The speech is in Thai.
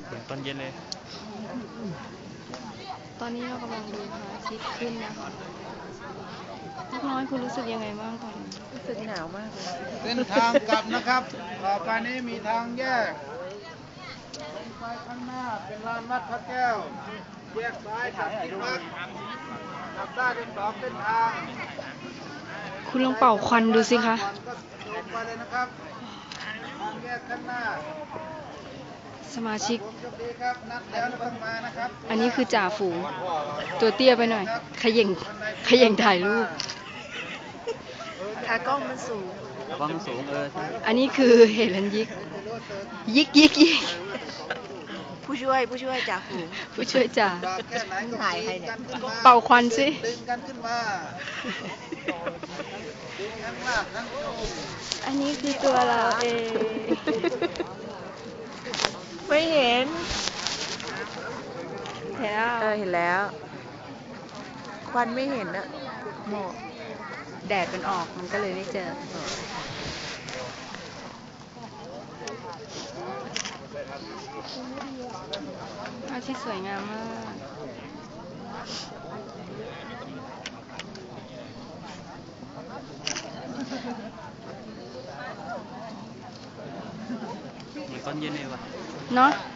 เหมือนตอนเย็นเลยตอนนี้เรากำลังดูพระอาทิตย์ขึ้นนะคะลูกน้อยคุณรู้สึกยังไงบ้างตอนนี้รู้สึกหนาวมากเลยเส้นทางกลับนะครับต่อไปนี้มีทางแยกตรงไปข้างหน้าเป็นลานวัดพระแก้วแยกซ้ายจากที่พักกลับได้เป็น2เส้นทางคุณลองเป่าควันดูสิคะก็ตรงไปเลยนะครับทางแยกข้างหน้าสมาชิกผมโชคดีครับนัดแล้วต้องมานะครับอันนี้คือจ่าฝูงตัวเตี้ยไปหน่อยเขย่งถ่ายรูปขากล้องมันสูงกล้องสูงอันนี้คือเฮลันยิกผู้ช่วยจ่าฝูงผู้ช่วยจ่าถ่ายใครเนี่ยเป่าควันสิดึงกันขึ้นมาดึงทั้งลากทั้งโจมอันนี้คือตัวเราเองไม่เห็นเห็นแล้วเห็นแล้วควันไม่เห็นอะหมอกแดดมันออกมันก็เลยไม่เจอภาพที่สวยงามมากเหมือนตอนเย็นเลยว่ะเนาะ